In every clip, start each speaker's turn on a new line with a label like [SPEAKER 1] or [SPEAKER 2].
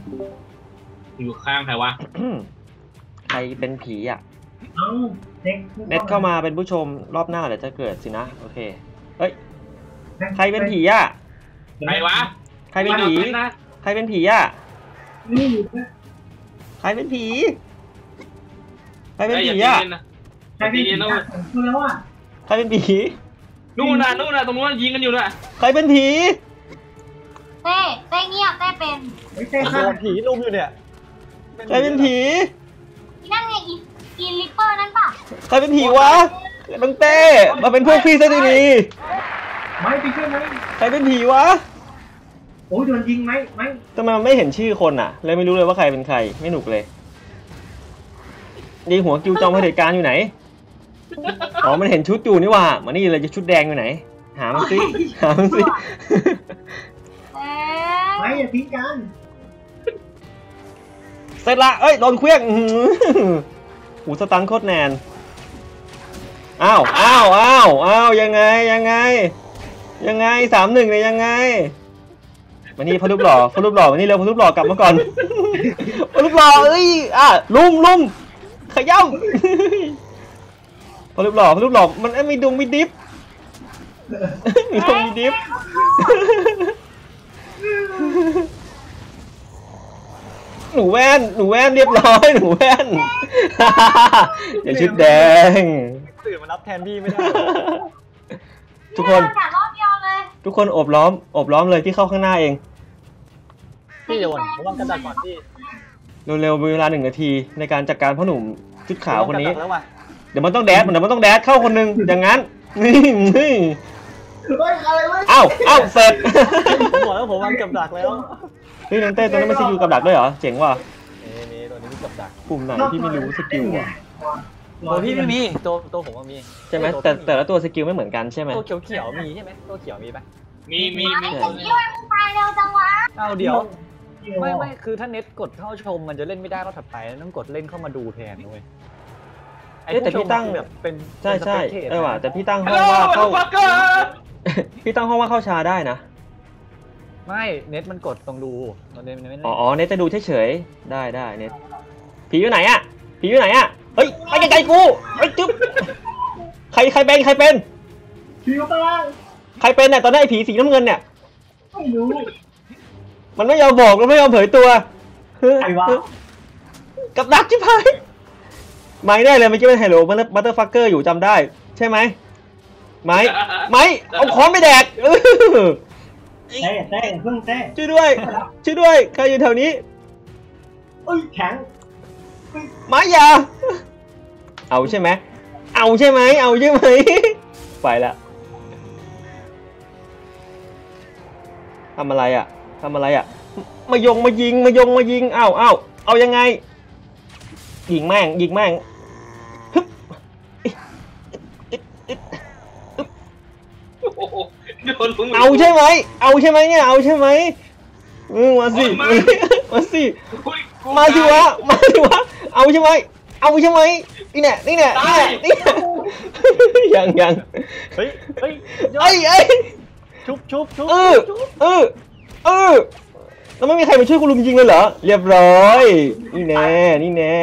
[SPEAKER 1] อยู่ข้างใครวะ
[SPEAKER 2] ใครเป็นผีอ่ะ
[SPEAKER 3] เอ้าเน็ต
[SPEAKER 2] เข้ามาเป็นผู้ชมรอบหน้าเดี๋ยวจะเกิดสินะโอเคเฮ้ยใครเป็นผีอ่ะ
[SPEAKER 1] ใครวะ
[SPEAKER 2] ใครเป็นผี
[SPEAKER 1] นะ
[SPEAKER 2] ใครเป็นผีอ่ะ
[SPEAKER 3] นี่นะ
[SPEAKER 2] ใครเป็นผีใครเป็นผีอ่ะ
[SPEAKER 3] ใครเป็นผีอ่ะผมพูดแล้วอ่ะ
[SPEAKER 2] ใครเป็นผี
[SPEAKER 1] นู่นน่ะตรงนู้นยิงกันอยู่น่ะ
[SPEAKER 2] ใครเป็นผี
[SPEAKER 4] เต้เงียบเต้เป็น
[SPEAKER 3] ไม่ใช่
[SPEAKER 5] โด
[SPEAKER 3] ค่ะ
[SPEAKER 5] นผีลุมอยู่เนี่ย
[SPEAKER 2] ใครเป็นผี
[SPEAKER 4] อีนั่นไงอีลิปเปอร์นั่นป่ะ
[SPEAKER 2] ใครเป็นผีวะน้องเต้มาเป็นพวกพี่ซะดี
[SPEAKER 3] ไม่ไปช่วยไหม
[SPEAKER 2] ๆใครเป็นผีวะ
[SPEAKER 3] โอ้ยโดนยิงไหมไม่
[SPEAKER 2] ทำไมมันไม่เห็นชื่อคนอ่ะเลยไม่รู้เลยว่าใครเป็นใครไม่หนุกเลยดีหัวกิวจอมเผด็จการอยู่ไหนอ๋อมันเห็นชุดอยู่นี่ว่ามานี่เลยจะชุดแดงอยู่ไหนหามันสิหามันสิ
[SPEAKER 3] ไม่อย่าทิ้งกัน
[SPEAKER 2] เสร็จละเอ้ยโดนเครื่องหูสตันโคตรแนนอ้าวยังไง3-1เลยยังไงมานี่พอรูปหล่อมานี่เร็วพอรูปหล่อกลับมาก่อนพอรูปหล่อเอ้ยลุมขย่ำพอรูปหล่อมันไม่ดุงไม่ดิฟมีดุงมีดิฟหนูแว่นเรียบร้อยหนูแว่นอย่าชุดแดง
[SPEAKER 5] ตื่นมารับแทนพี่ไม่ได้
[SPEAKER 2] ทุกคน
[SPEAKER 4] แต่รอบเดียวเลย
[SPEAKER 2] ทุกคนโอบล้อมเลยที่เข้าข้างหน้าเอง
[SPEAKER 5] พี่เดี๋ยวผมวางกระดาษก่อนพี่
[SPEAKER 2] เร็วๆมีเวลา1 นาทีในการจัดการพ่อหนุ่มชุดขาวคนนี้
[SPEAKER 5] แล้วว่ะ
[SPEAKER 2] เดี๋ยวมันต้องแดดเข้าคนหนึ่งอย่างนั้นนี่
[SPEAKER 3] เฮ้ยอะไรวะ
[SPEAKER 2] อ้าวเสร็จ
[SPEAKER 5] ผมบอกแล้วผมวางกับดักแล้ว
[SPEAKER 2] เฮ้ยน้องเต้ตัวนั้นมันสกิลกับดักด้วยเหรอเจ๋งว่ะ
[SPEAKER 5] นี่ตัวนี้มีกับดัก
[SPEAKER 2] ปุ่มไหนที่ไม่รู้สกิลอ่ะ
[SPEAKER 5] ตัวพี่ไม่มีตัวผมมี
[SPEAKER 2] ใช่ไหมแต่ละตัวสกิลไม่เหมือนกันใช่ไหม
[SPEAKER 5] ตัวเขียวมีใช่ไหมตัวเขียวมีปะ
[SPEAKER 1] มี
[SPEAKER 4] ไอ้คนนี้มันตายเร็วจังวะ
[SPEAKER 5] เอาเดี๋ยวไม่คือถ้าเน็ตกดเข้าชมมันจะเล่นไม่ได้รอบถัดไปต้องกดเล่นเข้ามาดูแทนด้วย
[SPEAKER 2] แต่พี่ตั้ง
[SPEAKER 5] แบบเป็น
[SPEAKER 2] ใช่ว่ะแต่พี่ตั้งห้
[SPEAKER 1] ฮั
[SPEAKER 2] อ
[SPEAKER 1] ล
[SPEAKER 2] ง
[SPEAKER 1] โหล
[SPEAKER 2] ว่า
[SPEAKER 1] เข้า
[SPEAKER 2] เข้าพี่ตั้งห้องว่าเข้าชาได้นะ
[SPEAKER 5] ไม่เน็ตมันกดตรงดูตอนเน็ตมันไม่
[SPEAKER 2] อ๋อเน็ตจะดูเฉยๆได้เน็ตผีอยู่ไหนอะเฮ้ยไปไกลๆกูเฮ้ยจุ๊บใครเป็น
[SPEAKER 3] ผีอยู่ข้างล่าง
[SPEAKER 2] ใครเป็นเนี่ยตอนนี้ไอ้ผีสีน้ำเงินเนี่ย
[SPEAKER 3] ไม่รู้
[SPEAKER 2] มันไม่ยอมบอกแล้วไม่ยอมเผยตัว
[SPEAKER 3] ใครวะ
[SPEAKER 2] กับดักชิบหายไม่ได้เลยเมื่อกี้เป็นไฮโลบัตเตอร์ฟักเกอร์อยู่จำได้ใช่ไหมไม่เอาค้อนไปแดก
[SPEAKER 3] เต้เพิ่งเต้
[SPEAKER 2] ช่วยด้วยใครอยู่แถวนี้
[SPEAKER 3] เอ้ยแข็ง
[SPEAKER 2] ไม่อย่าเอาใช่ไหมไปละทำอะไรอ่ะมายิงเอายังไงยิงแม่งฮึบ
[SPEAKER 1] โดนลุง
[SPEAKER 2] เอาใช่ไหมเนี่ยมาสิวะเอาใช่ไหมนี่แน่ยัง
[SPEAKER 5] เฮ้ยชุบ
[SPEAKER 2] แล้วไม่มีใครมาช่วยคุณลุงยิงเลยเหรอเรียบร้อยนี่แน่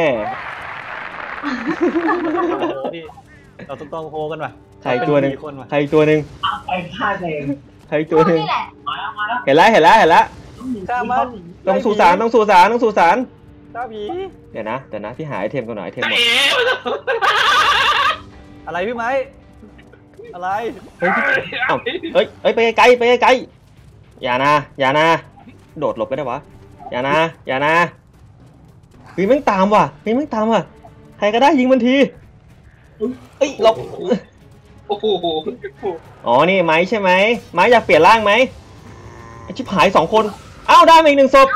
[SPEAKER 5] เราต้องโฮกันว่ะ
[SPEAKER 2] ใครตัวหนึ่ง
[SPEAKER 3] ไปฆ่าเอง
[SPEAKER 4] นี่แหละ
[SPEAKER 3] มาแล้ว
[SPEAKER 2] เห็นแล้ว
[SPEAKER 5] ฆ่ามัน
[SPEAKER 2] ต้องสู่ศาล
[SPEAKER 5] ฆ่าผี
[SPEAKER 2] เดี๋ยวนะพี่หาไอเทมก่อนหน่อยไอเทมหมด
[SPEAKER 5] อะไรพี่ไม้อะไร
[SPEAKER 2] เฮ้ยไปไกลอย่านะโดดหลบไปได้วะอย่านะเฮ้ยแม่งตามว่ะใครก็ได้ยิงมันทีเอ้ยหลบ
[SPEAKER 1] โอ้โห
[SPEAKER 2] อ๋อนี่ไม้ใช่ไหมไม้อยากเปลี่ยนร่างไหมไอชิบหาย2 คนอ้าวได้มาอีก1 ศพ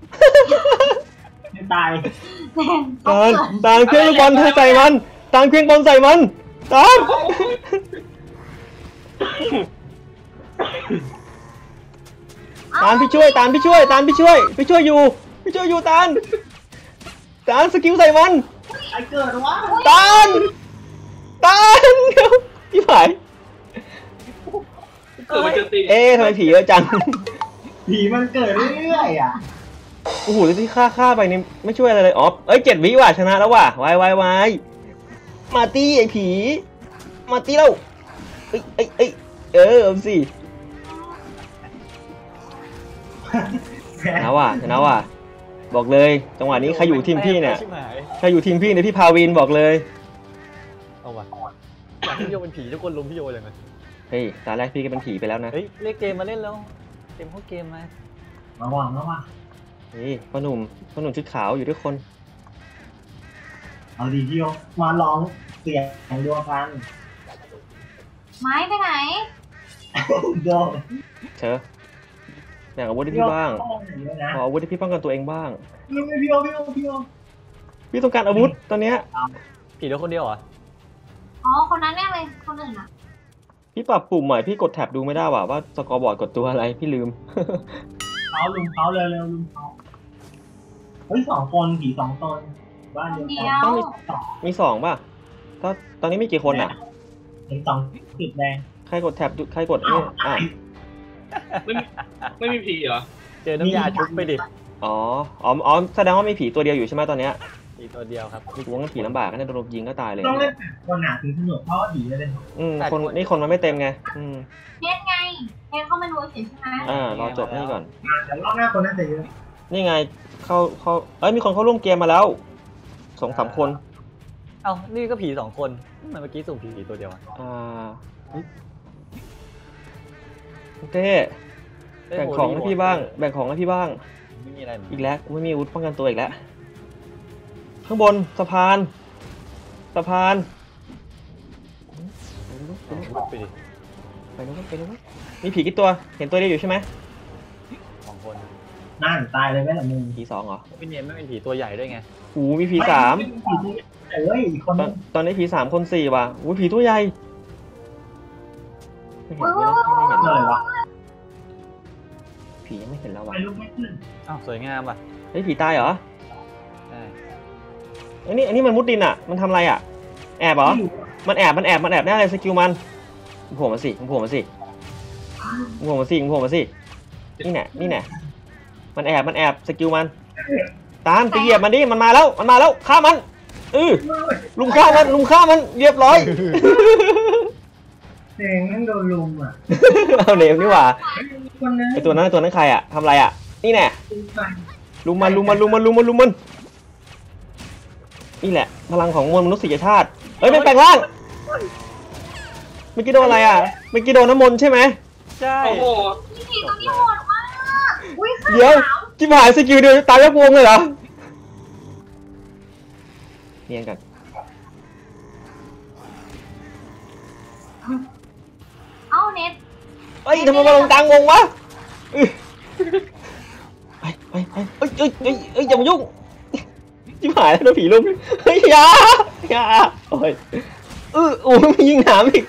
[SPEAKER 3] ตาย
[SPEAKER 2] ตามเครื่องบอลใส่มันตามพี่ช่วยอยู่ตานสกิลใส่มัน
[SPEAKER 3] ไอเกิดวะ
[SPEAKER 2] ตานเดี๋ยวพี่ผาย
[SPEAKER 1] เกิดมันจะตี
[SPEAKER 2] ทำไมผีเยอะจัง
[SPEAKER 3] ผีมันเกิดเรื่อยๆอ่ะ
[SPEAKER 2] โอ้โหแล้วที่ฆ่าไปนี่ไม่ช่วยอะไรเลยอ๋อเอ้ย7 วิว่ะชนะแล้วว่ะวาย มาตี้ไอ้ผี มาตี้แล้วเอาสิชนะว่ะบอกเลยจังหวะนี้ใครอยู่ทีมพี่เนี่ยใครอยู่ทีมพี่เนี่ยพี่พาวินบอกเลย
[SPEAKER 5] เอาว่ะอยากให้พี่โยเป็นผีทุกคนลุมพี่โยเลยไหม
[SPEAKER 2] เฮ้ยตอนแรกพี่ก็เป็นผีไปแล้วนะ
[SPEAKER 5] เฮ้ยเรียกเกมมาเล่นแล้วเกมเข้าเกมมา
[SPEAKER 3] ระวัง
[SPEAKER 2] นี่พ่อหนุ่มชุดขาวอยู่ด้วยคน
[SPEAKER 3] เอาดีพี่โยมาลองเสียงดวงกัน
[SPEAKER 4] ไม้ไปไหน
[SPEAKER 3] โย
[SPEAKER 2] เชอแบ่งอาวุธให้พี่บ้างขออาวุธให้พี่ป้องกันตัวเองบ้าง
[SPEAKER 3] พี่โย
[SPEAKER 2] พี่ต้องการอาวุธตอนเนี้ย
[SPEAKER 5] ผีเหลือคนเดียวเหรอ
[SPEAKER 4] อ๋อคนนั้นแน่เลยคนอื่นอ่ะ
[SPEAKER 2] พี่ปรับปุ่มใหม่พี่กดแท็บดูไม่ได้ว่าสกอร์บอร์ดกดตัวอะไรพี่ลืม
[SPEAKER 3] เขาลุมเขาเร็วลุมเขาเฮ้ย2 คนผี2 ตนบ้านเดียว
[SPEAKER 4] เดี
[SPEAKER 3] กั
[SPEAKER 4] ย
[SPEAKER 3] น
[SPEAKER 4] ว
[SPEAKER 2] ต้องมี2ป่ะถ้าตอนนี้มีกี่คนอ่ะ
[SPEAKER 3] เห็น2 จุดแดง
[SPEAKER 2] ใครกดแท็บใครกดนี่อ่ะ
[SPEAKER 1] ไม่มีผีเหรอ
[SPEAKER 5] เจอน้ำยาชุบไปดิ
[SPEAKER 2] อ๋อแสดงว่ามีผีตัวเดียวอยู่ใช่ไหมตอนเนี้ย
[SPEAKER 5] ผีตัวเดียวครับ
[SPEAKER 2] วงกันผีลำบากกันเนี่ยโดนยิงก็ตายเลย
[SPEAKER 3] ต้องเล่นคนหนาถึงสนุกเพราะว่าผีจะเป็น
[SPEAKER 2] คนนี่คนมันไม่เต็มไง
[SPEAKER 4] เน็ตไงเน็ตเข้ามาดูเฉยใช่ไหม
[SPEAKER 2] รอจบนี่ก่อน
[SPEAKER 3] แต่รอบหน้าคนน่าจะเยอะ
[SPEAKER 2] นี่ไงเข้ามีคนเข้าร่วมเกมมาแล้ว2-3 คน
[SPEAKER 5] เอ้านี่ก็ผี2 คนทำไมเมื่อกี้สุ่มผีตัวเดียวอะ
[SPEAKER 2] เต้แบ่งของให้พี่บ้าง
[SPEAKER 5] ไม่มีอะไรเหมือน
[SPEAKER 2] อีกแล้วไม่มีอาวุธป้องกันตัวอีกแล้วข้างบนสะพาน
[SPEAKER 5] ไปดิ
[SPEAKER 2] ไปนู้นมีผีกี่ตัวเห็นตัวเดียวอยู่ใช่ไหม
[SPEAKER 5] 2 คน
[SPEAKER 3] น่าตายเลยไหมล่ะมึง
[SPEAKER 2] ผี2เหรอ
[SPEAKER 5] พี่เนียนไม่เป็นผีตัวใหญ่ด้วยไง
[SPEAKER 2] โอ้มีผี3
[SPEAKER 3] อีกคน
[SPEAKER 2] ตอนนี้ผี3 คน 4ว่ะโอ้ผีตัวใหญ่ไม่เห็นเลยวะผียังไม่เห็นแล้ววะ
[SPEAKER 3] ไปลุกไม่ขึ้น
[SPEAKER 5] อ้าวสวยงามอ่ะ
[SPEAKER 2] เฮ้ยผีตายเหรอ
[SPEAKER 5] ใช่
[SPEAKER 2] อันนี้มันมุดดินอ่ะมันทำอะไรอ่ะแอบเหรอมันแอบแน่เลยสกิลมันโผล่มาสินี่แน่มันแอบสกิลมันตามไปเหยียบมันดิมันมาแล้วฆ่ามันลุมฆ่ามันเรียบร้อย
[SPEAKER 3] เสียงนั่งโดนลุมอ่ะ
[SPEAKER 2] เอาเนมนี่หว่า
[SPEAKER 3] คนนึง
[SPEAKER 2] ไอตัวนั้นใครอ่ะทำอะไรอ่ะนี่แน่ลุมมันนี่แหละพลังของมวลมนุษยชาติเฮ้ยมันแปลงร่างเมื่อกี้โดนอะไรอ่ะเมื่อกี้โดนน้ำมนต์ใช่ไหม
[SPEAKER 5] ใช่
[SPEAKER 1] โอ้โห
[SPEAKER 4] นี่ผีตัวนี้โหดมากอุ้ย
[SPEAKER 2] เดี๋ยวจิบหายสกิลเดียวตายยกวงเลยเหรอเนียนกัน
[SPEAKER 4] เอ้าเน็ต
[SPEAKER 2] เฮ้ยทำไมมาลงกลางวงวะไปอย่ามายุ่งจิบหายแล้วโดนผีลุมเฮ้ยอย่าโอ้ยโอ้ยมียิงหนามอีก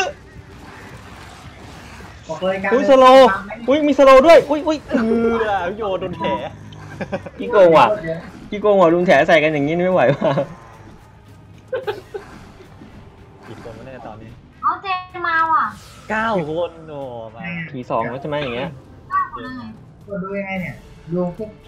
[SPEAKER 2] อุ้ยสโลอุ้ยมีสโลด้วยอุ้ย
[SPEAKER 5] โยนโดนแผล
[SPEAKER 2] กี่โกงว่ะลุงแถใส่กันอย่างนี้ไม่ไหวว่ะ
[SPEAKER 5] กี่คนวะเนี่ยตอนนี้
[SPEAKER 4] เอาเจมาว่ะ
[SPEAKER 5] 9 คนโอ้มา
[SPEAKER 2] ผี2แล้วใช่ไหมอย่างเงี้ย
[SPEAKER 3] ดูยังไงเนี่ยดูพวก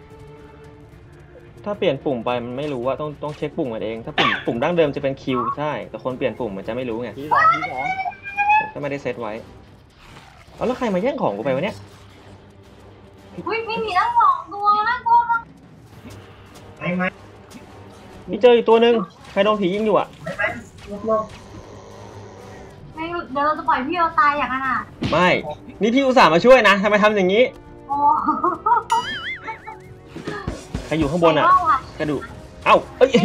[SPEAKER 2] ถ้าเปลี่ยนปุ่มไปมันไม่รู้ว่าต้องเช็คปุ่มมันเองถ้าปุ่มดั้งเดิมจะเป็นคิวใช่แต่คนเปลี่ยนปุ่มมันจะไม่รู้ไง
[SPEAKER 5] ผี 2
[SPEAKER 2] ถ้าไม่ได้เซตไว้แล้วใครมาแย่งของกูไปวะเนี่ย
[SPEAKER 4] อุ้ยมีผีทั้ง2 ตัวนะกู
[SPEAKER 3] ไหม
[SPEAKER 2] มีเจออีกตัวหนึ่งใครโดนผียิงอยู่อ่ะ
[SPEAKER 3] ลบ
[SPEAKER 4] ไม่เดี๋ยวเราจะปล่อยพี่เราตายอย่างนั้นอ่ะ
[SPEAKER 2] ไม่นี่พี่อุตส่าห์มาช่วยนะทำไมทำอย่างนี้
[SPEAKER 4] โอ้
[SPEAKER 2] ใครอยู่ข้างบนอ่ะกระดูกเอ้า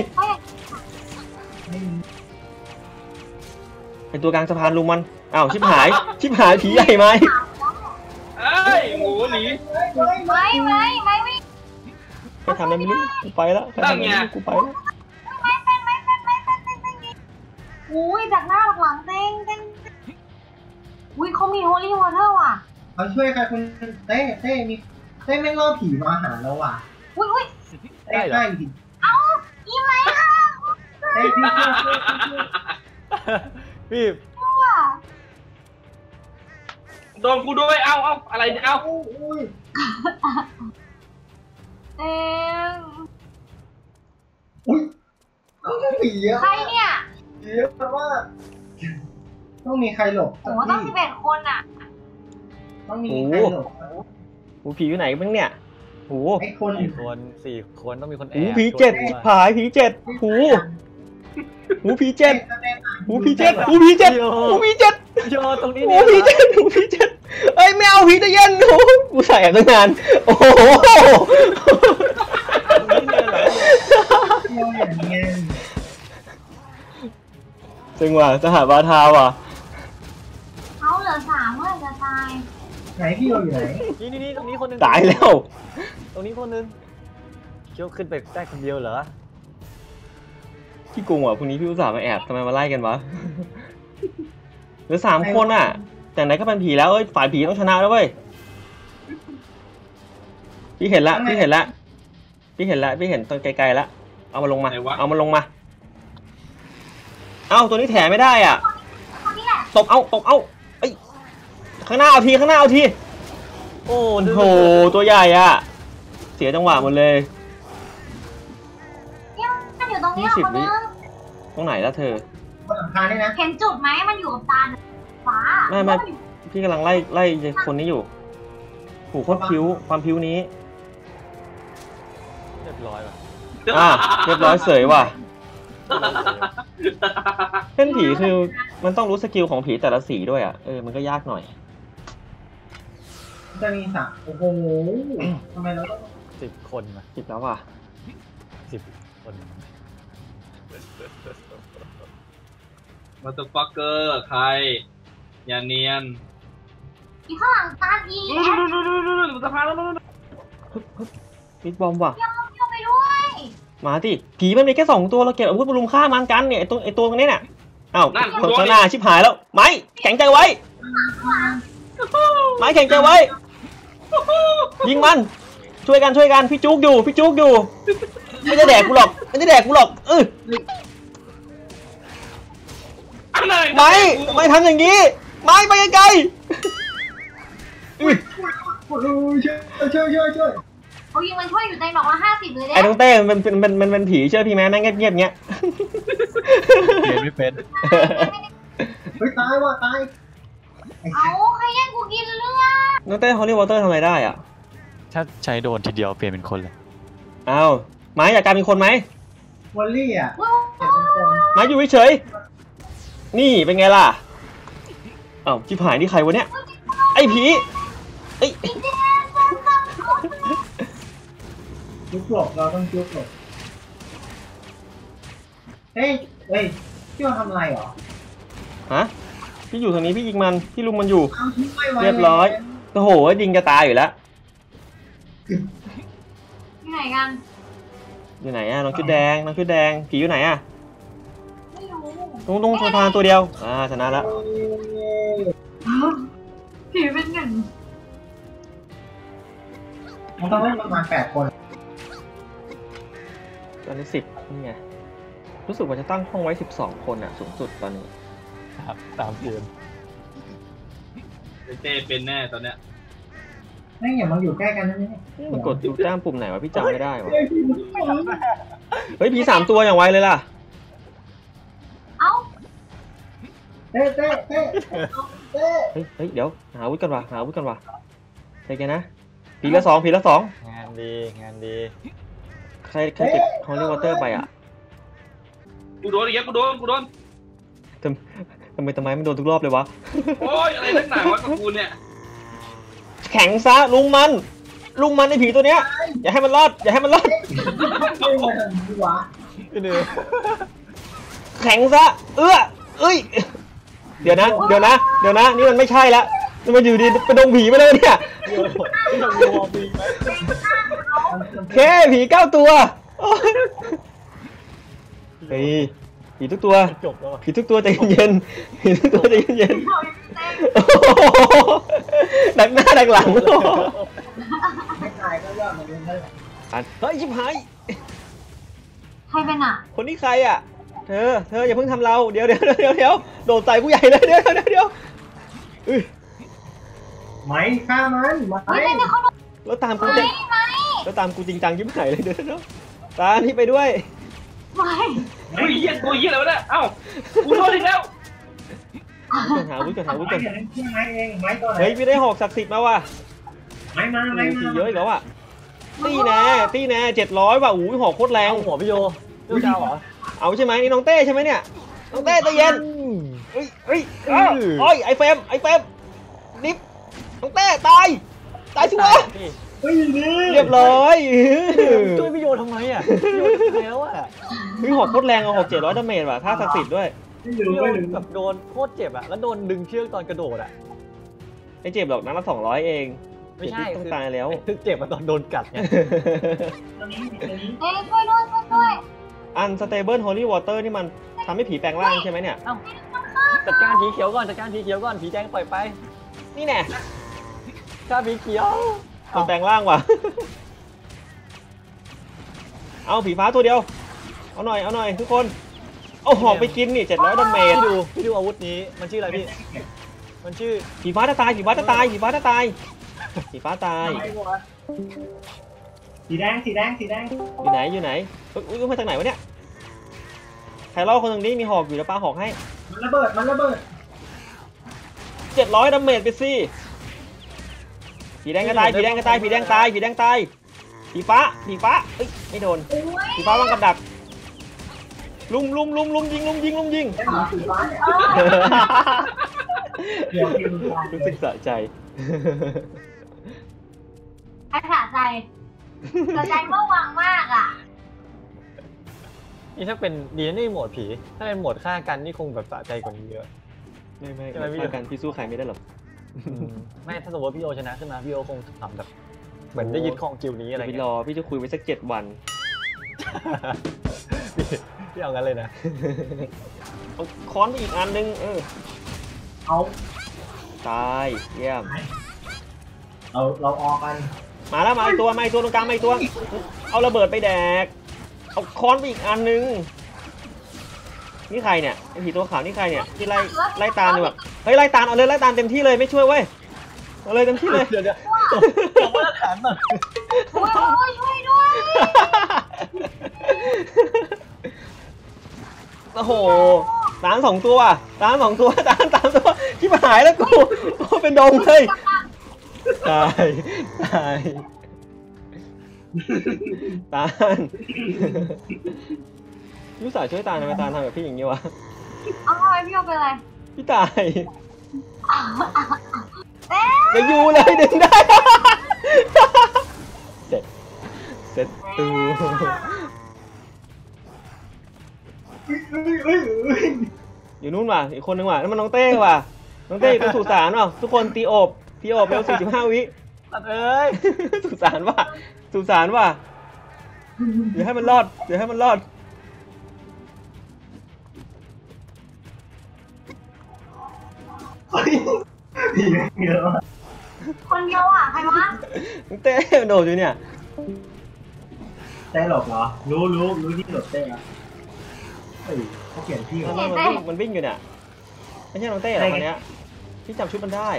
[SPEAKER 2] เป็นตัวกลางสะพานลุมมันอ้าวชิบหายผีใหญ่ไหม
[SPEAKER 1] เอ้ยหมูหนี
[SPEAKER 2] ไปทำอะไรไม่รู้กูไปแล้วกูไปแล้ว
[SPEAKER 4] อุ้ยจากหน้าหลังเต้งอุ้ยเขามีโฮลี่วอเตอร์ว่ะ
[SPEAKER 3] เขาช่วยใครคุณเต้มีเต้ไม่ล่อผีมาหาเราว่ะ
[SPEAKER 4] อุ้ย
[SPEAKER 3] เต้ใช่ผี
[SPEAKER 4] เอ้าอีไหมค่ะ
[SPEAKER 3] เต้พี่
[SPEAKER 5] พี่
[SPEAKER 4] ว่ะ
[SPEAKER 1] โดนกูด้วยเอาอะไรเนี่ยเอา
[SPEAKER 3] อุ้ย
[SPEAKER 4] เอง
[SPEAKER 3] อุ้ยผีเยอะ
[SPEAKER 4] ใครเนี่ย
[SPEAKER 3] เยอะมากต้องมีใครหลบ
[SPEAKER 4] โอ้โหต้อง11 คนอ่ะ
[SPEAKER 3] ต้องมีใครหลบ
[SPEAKER 2] โอ้ผีอยู่ไหนบ้างเนี่ยโอ้
[SPEAKER 3] ไอ้คน
[SPEAKER 5] 4 คนต้องมีคนแอ
[SPEAKER 2] โห
[SPEAKER 5] บ
[SPEAKER 2] ผีเจ็ด
[SPEAKER 5] ช่วยด้วย
[SPEAKER 2] ผายผีเจ็ดโอ้โหผีเจ็ดโอ้ผีเจ็ดโอ้ผีเจ็ดโอ้ผีเจ็ด
[SPEAKER 5] โยตรงนี้
[SPEAKER 2] โอ้
[SPEAKER 5] เนี่ย
[SPEAKER 2] ผีเจ็ดโอ้ผีเจ็ดเอ้ยไม่เอาผีจะเย็นโอ้กูใส่แอบตั้งนานโอ้โห
[SPEAKER 5] ตรงนี้เนี่ยเหรอ
[SPEAKER 3] เที่ยวอย่างเงี้ย
[SPEAKER 2] จังหวะสหบาทาว่ะ
[SPEAKER 4] เขาเหลือ3เมื่อจะตาย
[SPEAKER 3] ไหนพี่เราอยู่ไหน
[SPEAKER 5] นี่ตรงนี้คนหนึง
[SPEAKER 2] ตายแล้ว
[SPEAKER 5] ตรงนี้คนหนึงเคี้ยวขึ้นไปได้คนเดียวเหรอ
[SPEAKER 2] พี่กงว่ะพรุ่งนี้พี่อุตส่าห์มาแอบทำไมมาไล่กันวะเหลือ3 คนอ่ะ แต่ไหนก็เป็นผีแล้วเอ้ยฝ่ายผีต้องชนะแล้วเว้ยพี่เห็นละพี่เห็นละพี่เห็นละพี่เห็นตอนไกลๆละเอามาลงมาเอามาลงมาเอ้าตัวนี้แถไม่ได้อ่ะ
[SPEAKER 4] คนนี้แหละ
[SPEAKER 2] ตบเอาเอ้ยข้างหน้าเอาทีข้างหน้าเอาที
[SPEAKER 5] โอ้
[SPEAKER 2] โอ้โหตัวใหญ่อ่ะเสียจังหวะหมดเลย
[SPEAKER 4] เนี่ยมันอยู่ตรงนี้
[SPEAKER 2] 20
[SPEAKER 4] คนนึง
[SPEAKER 2] ตรงไหนแล้วเธอ
[SPEAKER 3] บนหลังคาได้นะ
[SPEAKER 4] เห็นจุดไหมมันอยู่กับตาฟ้า
[SPEAKER 2] ไม่ พี่กำลังไล่คนนี้อยู่ผูกโคตรพิ้วความพิ้วนี้
[SPEAKER 5] เรียบร้อยว่ะ
[SPEAKER 2] เรียบร้อยเสยว่ะเล่นผีคือมันต้องรู้สกิลของผีแต่ละสีด้วยอ่ะมันก็ยากหน่อย
[SPEAKER 3] จะมีสักโอ้โหทำไมเราต้อง
[SPEAKER 5] 10 คนมา
[SPEAKER 2] จิบแล้วว่ะ
[SPEAKER 5] 10 คน
[SPEAKER 1] มาตัวฟักเกอร์ใครอย่าเนียน
[SPEAKER 4] อีข้างหลังตาอี
[SPEAKER 1] ดูสะพานแล้ว
[SPEAKER 2] บิ๊กบอมว่ะ
[SPEAKER 4] เที่ยวไปด้วย
[SPEAKER 2] มาดิผีมันมีแค่2 ตัวเราเก็บอาวุธมารุมฆ่ามันกันเนี่ยไอตัวนี้เนี่ยอ้าว
[SPEAKER 1] นั่น
[SPEAKER 2] ข้างหน้าชิบหายแล้วไม้แข็งใจไว้ไม้แข็งใจไว้ยิงมันช่วยกันพี่จุกอยู่ไม่ได้แดกกูหรอกไม่ทำอย่างนี้ไม่ไปไกล
[SPEAKER 3] โอ้ยช่วย
[SPEAKER 4] เขายิงมันช่วยอยู่ในดอกละ50เลยเด้
[SPEAKER 2] ไอ้น้องเต้มันเป็นผีเชื่อพี่แม่แม่งเงียบๆเงี้ย
[SPEAKER 5] เรียนไม่เป็น
[SPEAKER 3] เฮ้ยตายว่ะตาย
[SPEAKER 4] เอาใครแย่งกูกินเลือด
[SPEAKER 2] น้องเต้ฮอลลี่วอเตอร์ทำอะไรได้อ่ะ
[SPEAKER 6] ถ้าใช้โดนทีเดียวเปลี่ยนเป็นคนเลย
[SPEAKER 2] อ้าวไม้อยากกลายเป็นคนไหม
[SPEAKER 3] วอลลี่อ่ะ
[SPEAKER 2] ไม้อยู่เฉยๆนี่เป็นไงล่ะอ้าวชิบหายนี่ใครวะเนี่ยไอ้ผีไอ้
[SPEAKER 3] จุกหลบเราต้องจุกหลบเฮ้ยพี่เราทำอะไรหรอ
[SPEAKER 2] ฮะพี่อยู่ทางนี้พี่ยิงมันพี่ลุมมันอยู่
[SPEAKER 3] เอาทิ้งไว้ไว้
[SPEAKER 2] เรียบร้อยโอ้โหยิงจะตายอยู่แล้ว
[SPEAKER 4] ที่ไหนกัน
[SPEAKER 2] อยู่ไหนอ่ะน้องชุดแดงผีอยู่ไหนอ่ะ
[SPEAKER 4] ไม่รู้
[SPEAKER 2] ตรงสะพานตัวเดียวชนะแล้ว
[SPEAKER 4] ผีเป็น1
[SPEAKER 3] มันต้องเล่นประมาณ8 คน
[SPEAKER 2] ตอนนี้10นี่ไงรู้สึกว่าจะตั้งห้องไว้12 คนอ่ะสูงสุดตอนนี้
[SPEAKER 5] ตามเกม
[SPEAKER 1] เต้เป็นแน่ตอนเนี้ย
[SPEAKER 3] ไม่อย่ามาอยู่ใกล้กันนะเนี่ย
[SPEAKER 2] มันกดอยู่จ้ามปุ่มไหนวะพี่จำไม่ได้วะ
[SPEAKER 3] เฮ้ยพี่มัน
[SPEAKER 2] เฮ้ยผี3 ตัวอย่างไวเลยล่ะ
[SPEAKER 4] เอ้า
[SPEAKER 3] เต้
[SPEAKER 2] เฮ้ยเดี๋ยวหาอาวุธกันว่ะใจเย็นนะผีละ 2
[SPEAKER 5] งานดี
[SPEAKER 2] ใครติดฮอลลี่วอเตอร์ไปอ่ะ
[SPEAKER 1] กูโดนอีกแล้วกูโดน
[SPEAKER 2] ทำไมมันโดนทุกรอบเลยวะ
[SPEAKER 1] โอ้ยอะไรนักหนาวะกับกูเนี่ย
[SPEAKER 2] แข็งซะลุงมันไอ้ผีตัวเนี้ยอย่าให้มันรอด
[SPEAKER 3] เฮ้ยมาทำดีวะ
[SPEAKER 2] แข็งซะเอ้ยเดี๋ยวนะนี่มันไม่ใช่ละมันอยู่ดีไปดงผีไปเลยเนี่ยแค่ผี9 ตัวเฮ้ยผีทุกตัว
[SPEAKER 5] จบแล้วว่ะ
[SPEAKER 2] ผีทุกตัวใจเย็นดักหน้าดักหลัง
[SPEAKER 3] ไม่ตายก็ยอดมาเล่นได้
[SPEAKER 2] เฮ้ยชิบหาย
[SPEAKER 4] ใครเป็นอ่ะ
[SPEAKER 2] คนนี้ใครอ่ะเธออย่าเพิ่งทำเราเดี๋ยวโดดใส่กูใหญ่เลยเดี๋ยว
[SPEAKER 3] ไหมฆ่ามันไหม
[SPEAKER 4] เฮ้ยเขาโดน
[SPEAKER 2] แล้วตามกู
[SPEAKER 4] ไหม
[SPEAKER 2] จะ
[SPEAKER 4] ไหม
[SPEAKER 2] แล้วตามกูจริงจังยิ้มไหนเลยเดี๋ยวตานี่ไปด้วย
[SPEAKER 4] ไม่
[SPEAKER 1] เฮ้ยเหี้ยตัวเหี้ยอะไรวะเนี่ยเอ้ากูโดนอีกแล้ว
[SPEAKER 2] หาวุ้นก่อนหาวุ้นก่อน
[SPEAKER 3] ไม้เองไม้ตัวไหน
[SPEAKER 2] เฮ้ยพี่ได้หอกศักดิ์สิทธิ์มาว่ะ
[SPEAKER 3] ไม้มาไม้มา
[SPEAKER 2] ขี่เยอะอีกแล้วอ่ะตีแน่700ว่ะอู้ยหอกโคตรแรง
[SPEAKER 5] เอาหัวพี่โยเจ้าเจ้าเหรอ
[SPEAKER 2] เอาใช่ไหมนี่น้องเต้ใช่ไหมเนี่ยน้องเต้ใจเย็นเฮ้ยโอ้ยไอเฟมนิฟน้องเต้ตายชัวร์
[SPEAKER 5] พี่
[SPEAKER 3] เฮ้ยนี่
[SPEAKER 2] เรียบร้อย
[SPEAKER 5] ช่วยพี่โยทำไมอ่ะพี่โยทำไมแล้วอ่ะ
[SPEAKER 2] เฮ้ยหอกโคตรแรงเอาหอก700ดาเมจว่ะท่าศักดิ์สิทธิ์ด้วย
[SPEAKER 3] ไม่ลืม
[SPEAKER 5] พี่โย
[SPEAKER 3] ไม่ลืม
[SPEAKER 5] แบบโดนโคตรเจ็บอ่ะแล้วโดนดึงเชือกตอนกระโดดอ่ะ
[SPEAKER 2] ไม่เจ็บหรอกนัดละ200เอง
[SPEAKER 5] ไม่ใช่
[SPEAKER 2] ต้องตายแล้ว
[SPEAKER 5] คือเจ็บมาตอนโดนกัดไง
[SPEAKER 3] ตัวนี้
[SPEAKER 4] เอ้ยช่วยด้วยช่วยด้วย
[SPEAKER 2] Unstable Holy Water นี่มันทำให้ผีแปลงร่างใช่ไหมเนี่ย
[SPEAKER 5] จัดการผีเขียวก่อนจัดการผีเขียวก่อนผีแดงปล่อยไป
[SPEAKER 2] นี่แน่
[SPEAKER 5] ฆ่าผีเขียว
[SPEAKER 2] มันแปลงร่างว่ะ เอาผีฟ้าตัวเดียวเอาหน่อยทุกคนเอาหอกไปกินนี่700ดาเมจ
[SPEAKER 5] พี่ดูอาวุธนี้มันชื่ออะไรพี่มันชื่อ
[SPEAKER 2] ผีฟ้าจะตายผีฟ้าตาย
[SPEAKER 3] สีแดง
[SPEAKER 2] อยู่ไหนอุ้ยมาจากไหนวะเนี่ยใครเล่าคนตรงนี้มีหอกอยู่แล้วปาหอกให้
[SPEAKER 3] มันระเบิด
[SPEAKER 2] 700ดาเมจไปสิผีแดงตายผีฟ้าเอ้ยไม่โดนผีฟ้าวางกับดักลุมยิง
[SPEAKER 3] สีฟ้าเดี๋ยวกิน
[SPEAKER 2] รู้สึกสะใจ
[SPEAKER 4] ไอ้ขาใจแต่ใจเมื่อวังมากอ่ะ
[SPEAKER 5] นี่ถ้าเป็นดีนะนี่โหมดผีถ้าเป็นโหมดฆ่ากันนี่คงแบบสะใจกว่านี้เยอะ
[SPEAKER 2] ไม่
[SPEAKER 5] ใช่ไหมพี่
[SPEAKER 2] ฆ่ากันพี่สู้ใครไม่ได้หรอก
[SPEAKER 5] ไม่ถ้าสมมติพี่โยชนะขึ้นมาพี่โยคงทำแบบเหมือนได้ยึดครองกิลนี้อะไร
[SPEAKER 2] พี่
[SPEAKER 5] เงี้
[SPEAKER 2] ร
[SPEAKER 5] ย
[SPEAKER 2] อพี่จะคุยไปสัก7 วัน
[SPEAKER 5] พี่เอางั้นเลยนะ
[SPEAKER 2] เอาค้อนไปอีกอันนึง
[SPEAKER 3] เอา
[SPEAKER 2] ตายเยี่ยม
[SPEAKER 3] เราออกกัน
[SPEAKER 2] มาแล้วมาอีกตัวตรงกลางมาอีกตัวเอาระเบิดไปแดกเอาค้อนไปอีกอันนึงนี่ใครเนี่ยไอ้ผีตัวขาวนี่ใครเนี่ยที่ไล่ตามอยู่แบบเฮ้ยไล่ตามเอาเลยไล่ตามเต็มที่เลยไม่ช่วยเว้ยเอาเลยเต็มที่เลย
[SPEAKER 5] เดี๋ยวตบมาตรฐานหน่อย
[SPEAKER 4] โอ้ยช่วยด้วย
[SPEAKER 2] โอ้โหตาม2 ตัวตามตัวที่หายแล้วกูเป็นดงเลยตายตาลยูสาช่วยตาลทำไมตาลทำแบบพี่อย่างนี้วะ
[SPEAKER 4] เอาทำไมพี่โยเป็นไร
[SPEAKER 2] พี่ตายเดี๋ยวยูเลยดึงได้เสร็จตูอยู่นู่นว่ะอีกคนนึงว่ะนั่นมันน้องเต้ว่ะน้องเต้อยู่ตรงสุสานว่ะทุกคนตีอบเร็ว45 วิ
[SPEAKER 5] ตัดเอ้ย
[SPEAKER 2] สุสานว่ะเดี๋ยวให้มันรอด
[SPEAKER 4] คนเดียวอ่ะใครวะ
[SPEAKER 2] น้องเต้โดดอยู่เนี่ย
[SPEAKER 3] เต้หลบเหรอรู้ที่หลบเต้อะเฮ้ยเขาเขียนที่
[SPEAKER 2] มันวิ่งอยู่เนี่ยไม่ใช่น้องเต้หรอคนเนี้ยพี่จำชุดมันได้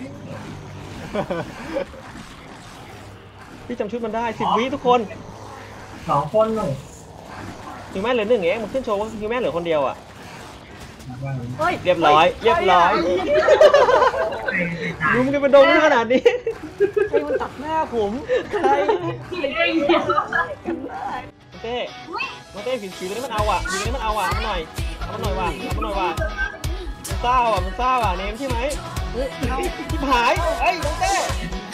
[SPEAKER 2] 10 วิทุกคน
[SPEAKER 3] 2 คนหนึ่ง
[SPEAKER 2] ฮิวแมนเหลือ1เองมันขึ้นโชว์ว่าฮิวแมนเหลือคนเดียวอ่ะ
[SPEAKER 5] เฮ้ย
[SPEAKER 2] เรียบร้อยรุมกันเป็นดงขนาดนี้
[SPEAKER 5] ใครมันตัดหน้าผมใคร
[SPEAKER 2] เต้ผีตัวนี้มันเอาอ่ะมันหน่อยว่ะมันซ่าว่ะเนมใช่ไหมที่หายเฮ้ยน้องเต้